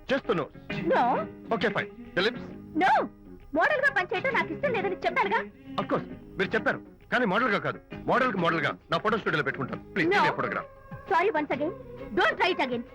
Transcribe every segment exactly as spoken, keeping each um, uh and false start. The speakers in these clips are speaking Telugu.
Just the nose. No okay fine. The lips. No, model గా పనిచేయటం నాకు ఇష్టం లేదని చెప్పానుగా. ఆఫ్ కోర్స్ మీరు చెప్పారు, కానీ మోడల్ గా కాదు. మోడల్ కి మోడల్ గా నా ఫోటో స్టూడియోలో పెట్టుకుంటాను. Please No. Photograph. Sorry once again, don't try it again.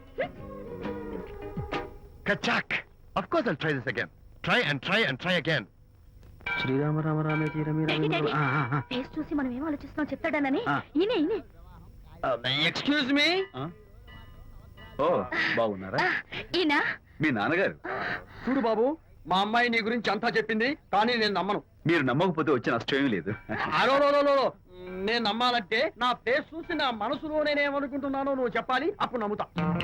కచాక్. Of course I'll try this again. Try and try and try again. Srirama Rama రామే తీరమి ఫేస్ చూసి మనం ఏం ఆలోచిస్తున్నాం చెప్తాడనని. ఆ. ఈయనే ఈయనే. Excuse me. ఓ బాగున్నారా? ఈయన మీ నాన్నగారు. చూడు బాబు, మా అమ్మాయి నీ గురించి అంతా చెప్పింది, కానీ నేను నమ్మను. మీరు నమ్మకపోతే వచ్చే నష్టం లేదు. అలో నేను నమ్మాలంటే నా ఫేస్ చూసి నా మనసులో నేనేమనుకుంటున్నానో నువ్వు చెప్పాలి, అప్పుడు నమ్ముతా.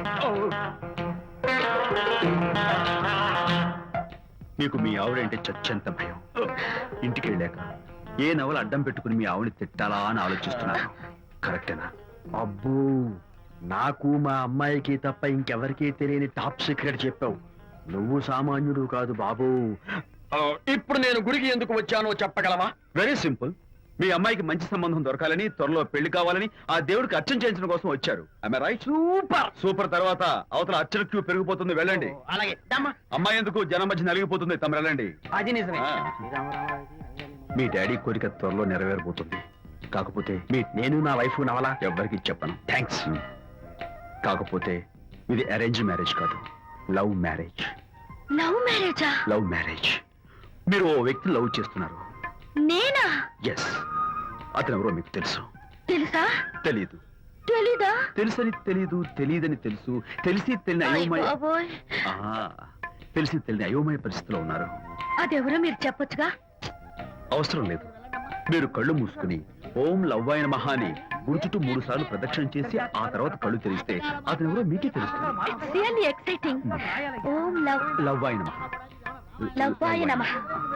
మీకు మీ ఆవిడంటే చచ్చంత భయం. ఇంటికి వెళ్ళాక ఏ నవల అడ్డం పెట్టుకుని మీ ఆవిడ తిట్టాలా అని ఆలోచిస్తున్నాను. కరెక్టేనా? అబ్బో, నాకు మా అమ్మాయికి తప్ప ఇంకెవరికీ తెలియని టాప్ సీక్రెట్ చెప్పావు. నువ్వు సామాన్యుడు కాదు బాబు. ఇప్పుడు నేను గుడికి ఎందుకు వచ్చానో చెప్పగలవా? Very simple. మీ అమ్మాయికి మంచి సంబంధం దొరకాలని, త్వరలో పెళ్లి కావాలని ఆ దేవుడికి అర్చన చేయించడం కోసం వచ్చారు. Am I right? Super super. తర్వాత అవతల అర్చన క్యూ పెరిగిపోతుంది, వెళ్ళండి. అలాగే. అమ్మాయి ఎందుకు జనం మధ్య నలిగిపోతుంది, తమ వెళ్ళండి. అది నిజమే. ఆ. మీ డాడీ కోరిక త్వరలో నెరవేరబోతుంది. కాకపోతే మీ నేను నా వైఫ్ నవలా ఎవ్వరికి చెప్పను. థ్యాంక్స్. కాకపోతే ఇది అరేంజ్ మ్యారేజ్ కాదు, లవ్ మ్యారేజ్. లవ్ మ్యారేజా? Love marriage. మీరు ఓ వ్యక్తి లవ్ చేస్తున్నారు. నేనా? ఎస్. అతను ఎవరో మీకు తెలుసు. తెలుసా? తెలీదు. తెలీదా? తెలుసని తెలీదు, తెలియదని తెలుసు, తెలిసి తెలియని అయోమయ బాబోయ్, ఆ, తెలిసి తెలియని అయోమయ పరిస్థితిలో ఉన్నారు. అదెవరో మీరు చెప్పొచ్చుగా. అవసరం లేదు. మీరు కళ్ళు మూసుకుని ఓం లవ్వాయ నమః అని గుడి చుట్టూ మూడు సార్లు ప్రదక్షిణ చేసి ఆ తర్వాత కళ్ళు తెరిస్తే అతను ఎవరో మీకే తెలుస్తుంది. It's really exciting. ఓం లవ్ లవ్వాయ నమః. లవ్వాయ నమః.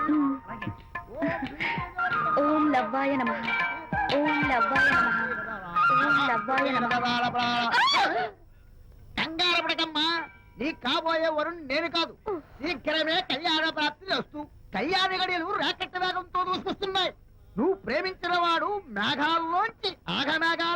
ఓం లవ్వాయ నమః. ఓం లవ్వాయ నమః. ఓం లవ్వాయ నమః. కంగారు పడకమ్మా, నీ కాబోయే వరుణ్ నేను కాదు. శీఘ్రమే కళ్యాణ ప్రాప్తి వస్తూ కళ్యాణ గడియలు రాకెట్ వేగంతో దూసుకొస్తున్నాయి. నువ్వు ప్రేమించిన వాడు మేఘాల్లోంచి ఆగమేఘాల